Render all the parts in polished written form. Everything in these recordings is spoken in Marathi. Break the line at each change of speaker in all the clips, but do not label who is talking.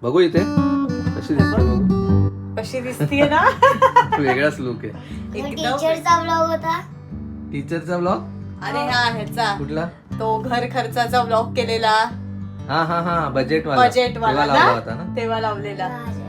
बघू इथे कशी दिसते बघू.
कशी दिसतीये ना.
वेगळाच लुक आहे.
टीचरचा ब्लॉग होता.
टीचरचा ब्लॉग.
आणि हा ह्याचा
कुठला?
तो घर खर्चाचा ब्लॉग केलेला.
हा बजेट वाला.
बजेट वाला
लावला होता ना
तेव्हा लावलेला.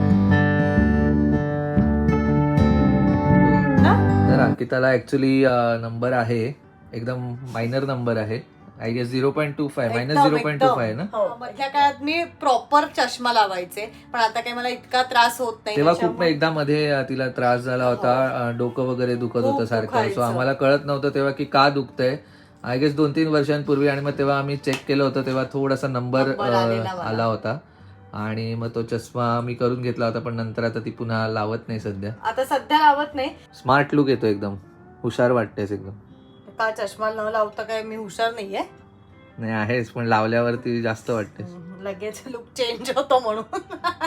तर अंकिताला ऍक्च्युली नंबर आहे एकदम मायनर नंबर आहे. आय गेस 0.25 मायनस 0.25 ना.
मधल्या काळात मी प्रॉपर चष्मा लावायचे पण आता काही मला इतका त्रास होत नाही.
तेव्हा खूप एकदा मध्ये तिला त्रास झाला होता. डोकं वगैरे दुखत होतं सारखं. सो आम्हाला कळत नव्हतं तेव्हा की का दुखतंय. आय गेस 2-3 वर्षांपूर्वी. आणि मग तेव्हा आम्ही चेक केलं होतं तेव्हा थोडासा नंबर आला होता आणि मग तो चष्मा मी करून घेतला होता. पण नंतर आता ती पुन्हा लावत नाही सध्या.
आता सध्या लावत नाही.
स्मार्ट लुक येतो एकदम. हुशार वाटतेस एकदम.
का चष्मा न लावता काय मी हुशार नाहीये.
नाही आहेस पण लावल्यावरती जास्त वाटते.
लगेच लुक चेंज होतो म्हणून.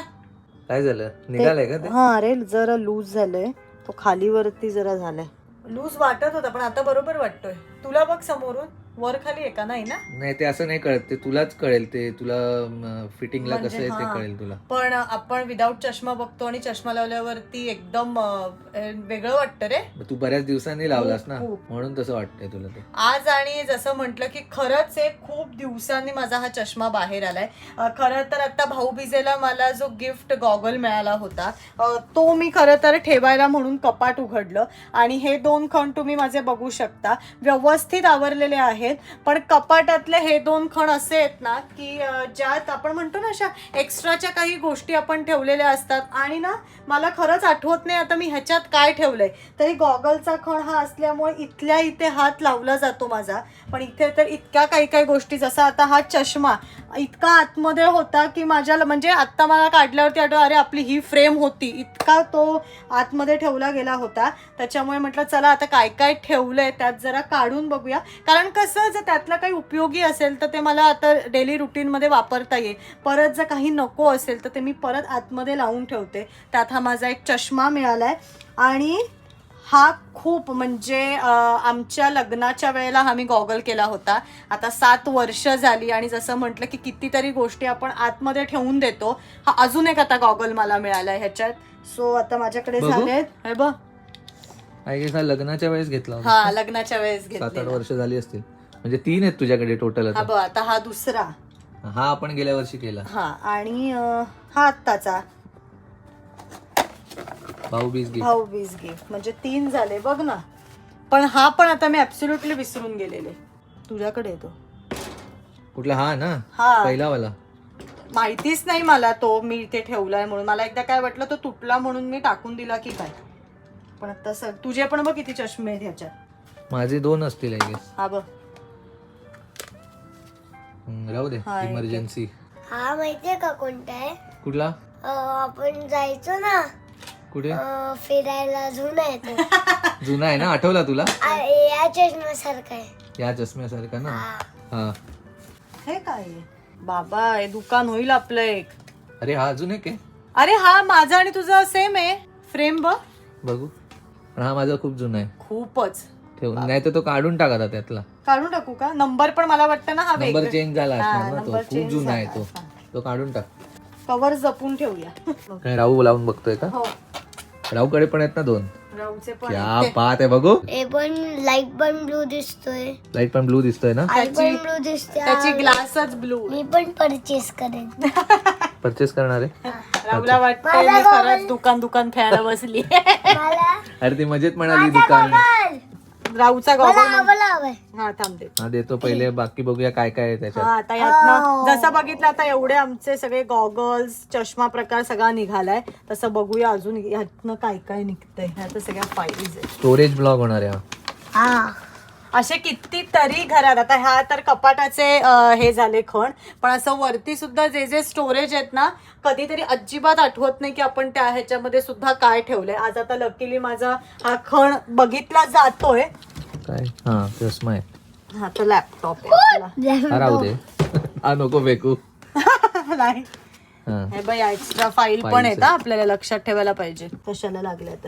काय झालं निघालंय का ते?
हा अरे जरा लूज झालंय. तो खाली वरती जरा झालाय. लूज वाटत होता पण आता बरोबर वाटतोय. तुला बघ समोरून वर खाली आहे का? नाही ना.
नाही ते असं नाही कळत. ते तुलाच कळेल. ते तुला फिटिंगला कसं आहे ते
हा.
कळेल तुला.
पण आपण विदाऊट चष्मा बघतो आणि चष्मा लावल्यावरती एकदम वेगळं वाटतं रे.
तू बऱ्याच दिवसांनी लावलास ना
खूप.
म्हणून तसं वाटतंय तुला ते.
आज आणि जसं म्हटलं की खरंच एक खूप दिवसांनी माझा हा चष्मा बाहेर आलाय. खरं तर आता भाऊबीजेला मला जो गिफ्ट गॉगल मिळाला होता तो मी खरं तर ठेवायला म्हणून कपाट उघडलं आणि हे 2 खण तुम्ही माझे बघू शकता व्यवस्थित आवरलेले आहेत. पण कपाटातले हे 2 खण असे आहेत ना की ज्यात आपण म्हणतो ना अशा एक्स्ट्राच्या काही गोष्टी आपण ठेवलेल्या असतात. आणि ना मला खरंच आठवत नाही आता मी ह्याच्यात काय ठेवलंय. तरी गॉगलचा खण हा असल्यामुळे इथल्या इथे हात लावला जातो माझा. पण इथे तर इतक्या काही गोष्टी जसा आता हा चष्मा इतका आतमध्ये होता की माझ्या म्हणजे आता मला काढल्यावरती आठवलं अरे आपली ही फ्रेम होती. इतका तो आतमध्ये ठेवला गेला होता. त्याच्यामुळे म्हटलं चला आता काय काय ठेवलंय त्यात जरा काढून बघूया. कारण कसं जर त्यातला काही उपयोगी असेल तर ते मला आता डेली रुटीनमध्ये वापरता येईल. परत जर काही नको असेल तर ते मी परत आतमध्ये लावून ठेवते. त्यात हा माझा एक चष्मा मिळालाय. आणि हा खूप म्हणजे आमच्या लग्नाच्या वेळेला हा मी गॉगल केला होता. आता 7 वर्ष झाली आणि जसं म्हटलं की कितीतरी गोष्टी आपण आतमध्ये ठेवून देतो. हा अजून एक आता गॉगल मला मिळालाय ह्याच्यात. सो आता माझ्याकडे झालेत हे बघ.
आय गेस हा लग्नाच्या वेळेस घेतला होता.
हा लग्नाच्या वेळेस
7-8 वर्ष झाली असतील. म्हणजे 3 आहेत तुझ्याकडे टोटल.
हा बघ आता हा दुसरा.
हा आपण गेल्या वर्षी केला.
हा आणि हा आत्ताचा
भाऊबीज
गिफ्ट म्हणजे 3 झाले बघ ना. पण हा पण आता मी ऍब्सोल्युटली विसरून गेलेले. तुझ्याकडे येतो
कुठला? हा ना
हा
पहिला वाला.
माहितीच नाही मला तो मी इथे ठेवलाय म्हणून. मला एकदा काय वाटलं तो तुटला म्हणून मी टाकून दिला की काय. पण आता तुझे पण बघ किती चष्मे आहेत ह्याच्यात.
माझे 2 असतील आय गेस.
हा बघ
राहू दे इमर्जन्सी.
हा माहितीये का कोणता आहे?
कुठला?
आपण जायचो ना
कुठे
फिरायला. जुना आहे तो.
जुना आहे ना. आठवला तुला?
या चष्म्यासारखा आहे.
या चष्म्यासारखा ना. हा
हे काय आहे? बाबा हे दुकान होईल आपलं एक.
अरे हा अजून एक आहे.
अरे हा माझा आणि तुझा सेम आहे. फ्रेम बघ
बघू. पण हा माझा खूप जुना आहे.
खूपच.
ठेवून नाही तर तो काढून टाका त्यातला.
काढून टाकू का? नंबर पण मला वाटतं ना हा
नंबर चेंज झाला असणार ना. तो
नंबर
खूप जुना आहे तो. तो काढून टाक.
कवर जपून ठेवूया.
काय राहू लावून बघतोय का?
हो
राहूकडे पण आहेत ना 2.
राहूचे पण
क्या बात आहे. बघू.
हे पण लाईट पण ब्लू दिसतोय.
लाईट पण ब्लू दिसतोय ना.
आई पण ब्लू दिसते.
त्याची ग्लासच ब्लू.
मी पण परचेस करेन.
परचेस करणार आहे.
राहुला वाटतंय मी खरंच दुकान खेळायला बसली.
मला
अरे ती मजेत म्हणाली दुकान.
राहूचा गॉगल
हवंय.
हा थांब दे.
हा देतो पहिले. बाकी बघूया काय काय आहे त्याच्यात.
हा आता यातनं जसं बघितलं आता एवढे आमचे सगळे गॉगल्स चष्मा प्रकार सगळा निघालाय. तसं बघूया अजून यातनं काय काय निघतंय. ह्यात सगळ्या फाईल्स आहेत.
स्टोरेज ब्लॉग होणार आहे हा.
हा
असे कितीतरी घरात आता ह्या तर कपाटाचे हे झाले खण. पण असं वरती सुद्धा जे जे स्टोरेज आहेत ना कधीतरी अजिबात आठवत नाही की आपण त्या ह्याच्यामध्ये सुद्धा काय ठेवलंय. आज आता लकीली माझा हा खण बघितला जातोय.
काय? हा चष्मा आहे.
हा तर लॅपटॉप आहे.
हा राहू दे. हा नको फेकू.
नाही
हा
हे बाई एक्स्ट्रा फाईल पण आहेत आपल्याला लक्षात ठेवायला पाहिजे कशाला लागल्या तर.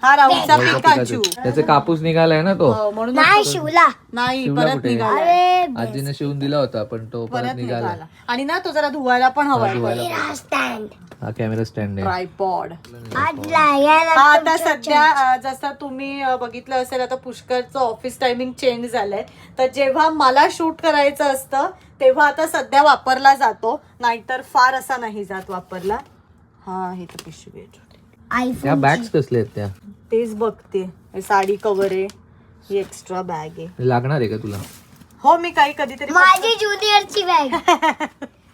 हा राहूचा
राहूचा
पिकाचू.
पिकाचू. त्याचे कापूस निघालाय ना तो.
हो, म्हणून
नाही शिवला.
नाही
शिवला
परत
कुठे?
निघाला.
अरे
आजीने शिवून दिला होता पण तो परत
परत
निघाला.
निघाला. आणि ना तो जरा धुवायला पण हवाय.
मेरा स्टँड
हा कॅमेरा स्टँड आहे.
ट्रायपॉड.
आज लागायला
हा आता सध्या जसं तुम्ही बघितलं असेल आता पुष्करचं ऑफिस टायमिंग चेंज झालंय. तर जेव्हा मला शूट करायचं असतं तेव्हा आता सध्या वापरला जातो, नाहीतर फार असा नाही जात वापरला. हा हे तर पिशवी आहे छोटी.
त्या
आयफोन
बॅग्स कसले आहेत त्या?
तेच बघते. हे साडी कव्हर आहे, ही एक्स्ट्रा बॅग आहे.
लागणार आहे का तुला?
हो मी काही कधीतरी
माझी ज्युनियरची बॅग.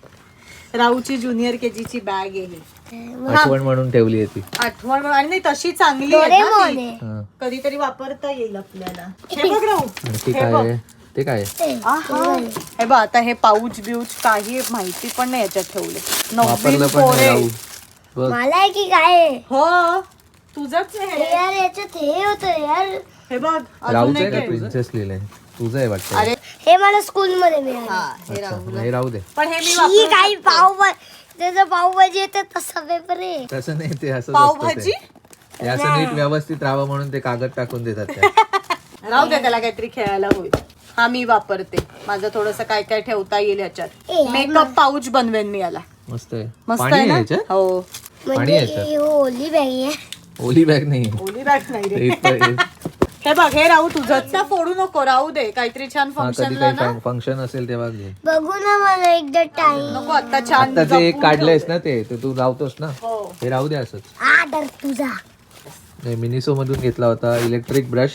राहूची ज्युनियर केजीची बॅग आहे ही.
आठवण म्हणून ठेवली आहे ती.
आठवण आणि नाही तशी चांगली आहे ना
डोरेमॉन
ती.
आहे.
हा.
कधीतरी वापरता येईल आपल्याला. हे बघ राहू,
आणखी
हे
काय
बघ.
आहे? ते काय आहे?
आहा. हे बघ आता हे पाऊच बिऊच काही माहिती पण नाही याच्यात ठेवले.
वापरलं
नवीन
पण नाही
कोरे.
राहू. बघ
मला आहे की काय आहे?
हो तुझंच आहे
हे
हे.
यार याच्यात हे होतं यार.
हे बघ अजून
राहूचं आहे
एक
का?
आहे.
प्रिन्सेस लिहिलंय. तुझं आहे वाटतं.
अरे
हे मला स्कूल मध्ये मिळालं.
हा हे
अच्छा,
राहू
नाही राहू दे.
पण हे मी
ही
वापरू
काही
शकते.
पावभाजी त्याचं पावभाजी येतं तसा पेपर आहे.
तसं नाही ते असं
पावभाजी
हे असं नीट व्यवस्थित राहावं म्हणून ते कागद टाकून देतात त्या.
राहू दे त्याला काहीतरी खेळायला होईल. हा मी वापरते. माझं थोडस काय काय ठेवता येईल याच्यात.
ए,
मेकअप पाऊच बनवेन मी याला.
मस्त आहे.
मस्त
पाणी
आहे ना
याच्यात?
हो.
पाणी
म्हणजे
याच्यात?
ही ओली बॅग आहे.
ओली बॅग नाही.
ओली बॅग नाही
ते
रे.
इथं-
हे बघ हे राहू तुझं फोडू नको, राहू दे. काहीतरी छान
हा, कधी
फंक्शनला ना
काही फंक्शन असेल तेव्हा घे.
बघू ना मला एकदा टाइम.
नको आता छान
आता जे एक
जपून
काढलंयस
ठेवते.
ना ते तू लावतोस ना,
हो
हे राहू दे असंच.
आदर तुझा
नाही मिनिसो मधून घेतला होता इलेक्ट्रिक ब्रश.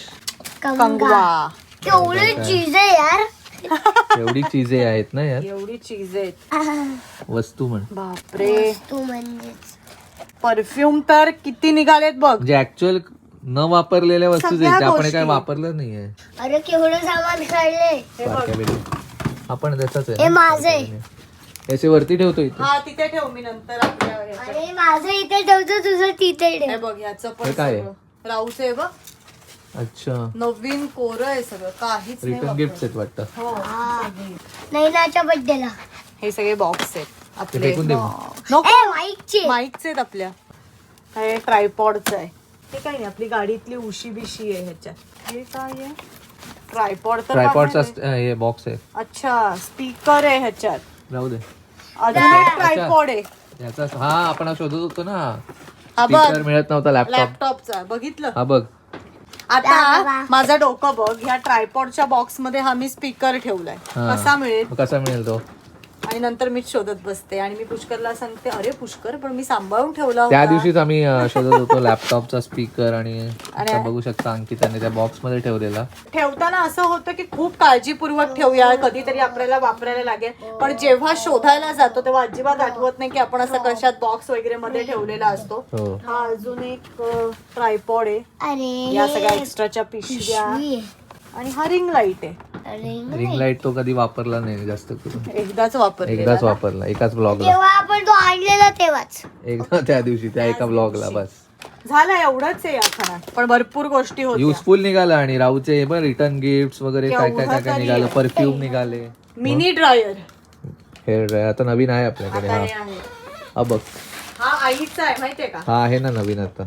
कंगवा.
केवढी चीज आहे यार.
एवढी चीजे आहेत ना यार.
एवढी चीज आहेत.
वस्तू म्हण.
बापरे.
तू म्हणजेच
परफ्यूम तर किती निघालेत बघ.
म्हणजे ऍक्च्युअल न वापरलेल्या वस्तू
सगळ्या
आहेत त्या आपण
गोष्टी.
काय वापरलं नाहीये.
अरे केवढं सामान काढले.
हे बघ.
बारक्या बेली. आपण त्याचाच
हे
आहे ना?
माझं आहे.
याचे वरती ठेवतो इथे.
हा तिथे ठेव मी नंतर आपल्या ह्याच्यात.
अरे माझं इथे ठेवतो तुझं तिथे
हे
ठेव.
बघ ह्याचं पण
हे काय आहे?
सगळं. राहूचं आहे बघ.
अच्छा
नवीन कोरं आहे सगळं, काहीच नाही
रिटर्न गिफ्ट
वापरलं.
आहेत वाटतं.
हो
नैनाच्या बर्थडेला.
हे सगळे बॉक्स आहेत
ते
आपले.
फेकून दे मग.
नको
ए माईकचे.
माईकचे आहेत आपल्या. हे ट्रायपॉडचं आहे. हे काही नाही आपली गाडीतली उशी बिशी आहे ह्याच्यात. हे काय आहे? ट्रायपॉड तर
ट्रायपॉडचा
बाहेर आहे.
हे बॉक्स आहे.
अच्छा स्पीकर आहे ह्याच्यात.
राहू दे.
अजून एक ट्रायपॉड आहे.
याचा हा आपण शोधत होतो ना,
हा बघ
स्पीकर मिळत नव्हता लॅपटॉप.
लॅपटॉपचा बघितलं.
हा बघ.
आता माझं डोकं बघ, ह्या ट्रायपॉडच्या बॉक्स मध्ये हा मी स्पीकर ठेवलाय.
हा.
कसा मिळेल?
मग कसा मिळेल तो?
आणि नंतर मीच शोधत बसते आणि मी पुष्करला सांगते अरे पुष्कर पण मी सांभाळून ठेवला
त्या
होता.
दिवशीच आम्ही शोधत होतो लॅपटॉपचा स्पीकर आणि आता बघू शकता अंकिताने त्या बॉक्स मध्ये ठेवलेला.
ठेवताना असं होतं की खूप काळजीपूर्वक ठेवूया, कधीतरी आपल्याला वापरायला लागेल. पण जेव्हा शोधायला जातो तेव्हा अजिबात आठवत नाही की आपण असं कशात बॉक्स वगैरे मध्ये ठेवलेला असतो.
हो.
हा अजून एक ट्रायपॉड आहे.
अरे
या सगळ्या एक्स्ट्राच्या पिशव्या
पिशवी आहे.
आणि हा रिंग लाईट आहे.
अरे
रिंग लाईट तो कधी वापरला नाही जास्त करून.
एकदाच वापरलेला
एकदाच
ना.
वापरला एकाच ब्लॉगला.
तेव्हा आपण तो आणलेला तेव्हाच.
एकदा त्या दिवशी त्या एका ब्लॉगला बस.
झालं एवढंच आहे या खणात, पण भरपूर गोष्टी होत्या.
युजफुल निघालं आणि राहूचे पण रिटर्न गिफ्ट वगैरे काय काय काय काय निघालं. परफ्यूम निघाले.
मिनी ड्रायर
हेअर ड्रायर आता नवीन आहे आपल्याकडे.
आता
हा
हे आहे.
हा बघ.
हा आईचा आहे माहितीये का?
हा आहे ना नवीन आता.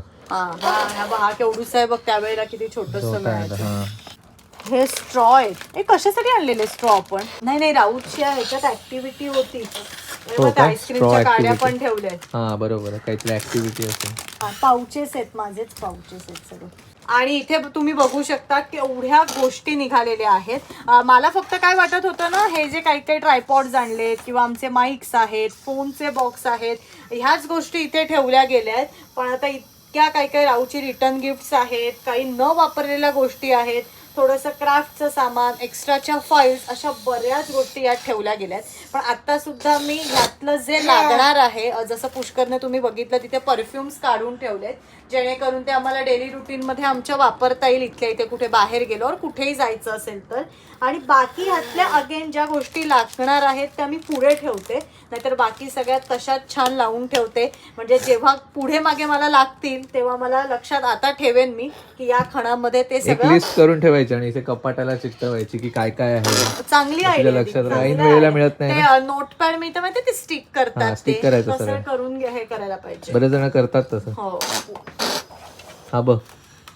हा केवढूसा आहे बघ, त्यावेळेला किती छोटस
छोटा आहे आता.
मिळायचं.
हा
हे स्ट्रॉ आहेत. हे कशासाठी आणलेले स्ट्रॉ आपण? नाही राऊतच्या ह्याच्यात ऍक्टिव्हिटी होती.
हो का?
आईस्क्रीमच्या
Straw
काड्या
activity.
पण ठेवल्या आहेत.
हा बरोबर आहे. काहीतरी ऍक्टिव्हिटी असेल.
पाऊचेस आहेत, माझेच पाऊचेस आहेत सगळे. आणि इथे तुम्ही बघू शकता की एवढ्या गोष्टी निघालेल्या आहेत. मला फक्त काय वाटत होतं ना, हे जे काही काही ट्रायपॉड्स आणलेत किंवा आमचे माईक्स आहेत, फोनचे बॉक्स आहेत, ह्याच गोष्टी इथे ठेवल्या गेल्या आहेत. पण आता इतक्या काही काही राऊची रिटर्न गिफ्ट्स आहेत, काही न वापरलेल्या गोष्टी आहेत, थोडंसं क्राफ्टचं सामान, एक्स्ट्राच्या फाईल्स, अशा बऱ्याच गोष्टी यात ठेवल्या गेल्यात. पण आता सुद्धा मी ह्यातलं जे लागणार आहे, जसं पुष्करने तुम्ही बघितलं तिथे परफ्युम्स काढून ठेवलेत, जेणेकरून ते आम्हाला डेली रुटीनमध्ये आमच्या वापरता येईल इथल्या इथे कुठे बाहेर गेल्यावर, कुठेही जायचं असेल तर. आणि बाकी ह्यातल्या अगेन ज्या गोष्टी लागणार आहेत त्या मी पुढे ठेवते, नाहीतर बाकी सगळ्यात तशात छान लावून ठेवते. म्हणजे जेव्हा पुढे मागे मला लागतील तेव्हा मला लक्षात आता ठेवेन मी की या खणामध्ये ते
एक
सगळं.
लिस्ट करून ठेवायची आणि इथे कपाटाला चिकटवायची की काय काय आहे.
चांगली
आपल्या
आयडिया
लक्षात
ती,
राहील.
चांगलं
वेळेला
आहे.
मिळत नाही
ते नोटपॅड मिळतं माहिती ते स्टिक
हा,
करतात,
stick
ते
करायचं
तसं
सरळ.
करून हे करायला पाहिजे.
बरेच जण करतात तसं.
हो
हा बघ.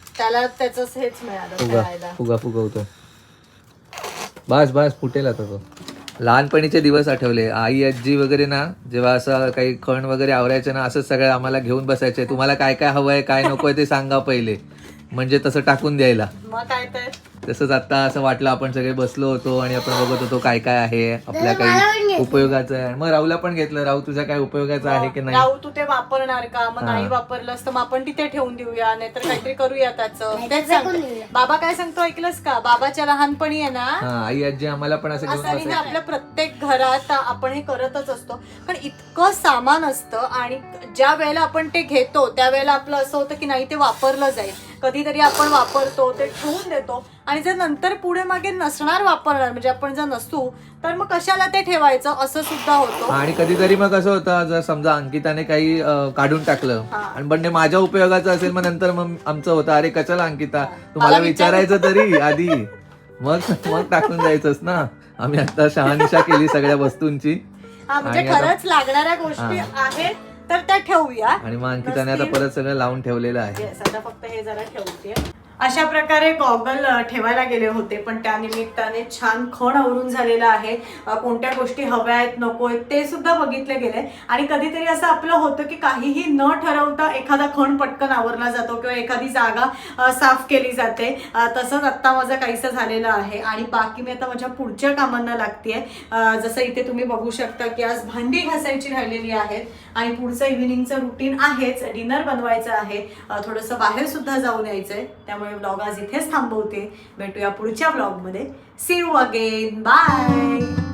त्याला त्याच हेच मिळालं
फुगा
खेळायला.
फुगा फुगवतो. बस बस फुटेल आता तो. लहानपणीचे दिवस आठवले. आई आजी वगैरे ना जेव्हा असं काही खण वगैरे आवरायचे ना, असंच सगळं आम्हाला घेऊन बसायचे. तुम्हाला काय काय हवंय काय नकोय ते सांगा पहिले, म्हणजे तसं टाकून द्यायला.
मग काय तर
तसंच आता असं वाटलं आपण सगळे बसलो होतो आणि आपण बघत होतो काय काय आहे आपल्या काही उपयोगाचं आहे. मग राहूला पण घेतलं. राहू तुझ्या काय उपयोगाचं आहे की नाही.
राहू तू ते वापरणार का, मग नाही वापरलंस तर मग आपण तिथे ठेवून देऊया, नाहीतर काहीतरी करूया त्याचं. तेच सांगते. बाबा काय सांगतो ऐकलंस का, बाबाच्या लहानपणी आहे ना
हा आई आजी आम्हाला पण असं घेऊन
असं नाही ना,
बसायचे.
आपल्या प्रत्येक घरात आपण हे करतच असतो. पण इतकं सामान असतं आणि ज्या वेळेला आपण ते घेतो त्यावेळेला आपलं असं होतं की नाही ते वापरलं जाईल. कधीतरी आपण वापरतो ते ठेवून देतो आणि जर नंतर पुढे मागे नसणार वापरणार, म्हणजे आपण जर नसू तर मग कशाला ते ठेवायचं असं सुद्धा होतं.
आणि कधीतरी मग कसं होतं, जर समजा अंकिताने काही काढून टाकलं आणि पण ते माझ्या उपयोगाचं असेल, मग नंतर मग आमचं होतं अरे कशाला अंकिता तुम्हाला विचारायचं तरी आधी, मग टाकून द्यायचंच ना. आम्ही आता शहानिशा केली सगळ्या वस्तूंची.
म्हणजे
आणि आता-
खरंच लागणाऱ्या गोष्टी आहेत तर त्या ठेवूया.
आणि मग अंकिताने आता परत सगळं लावून ठेवलेलं आहे.
Yes, आता फक्त हे जरा ठेवते. अशा प्रकारे गॉगल ठेवायला गेले होते, पण त्या निमित्ताने छान खण आवरून झालेला आहे. कोणत्या गोष्टी हव्या आहेत नको आहेत ते सुद्धा बघितले गेले. आणि कधीतरी असं आपलं होतं की काहीही न ठरवता एखादा खण पटकन आवरला जातो किंवा एखादी जागा साफ केली जाते. तसंच आत्ता माझं काहीसं झालेलं आहे आणि बाकी मी आता माझ्या पुढच्या कामांना लागतेय. जसं इथे तुम्ही बघू शकता की आज भांडी घासायची राहिलेली आहेत आणि पुढचं इव्हिनिंगचं रुटीन आहेच. डिनर बनवायचं आहे, थोडंसं बाहेर सुद्धा जाऊन यायचंय. त्यामुळे ब्लॉग आज इथेच थांबवते. भेटूया पुढच्या ब्लॉगमध्ये. See you again. बाय.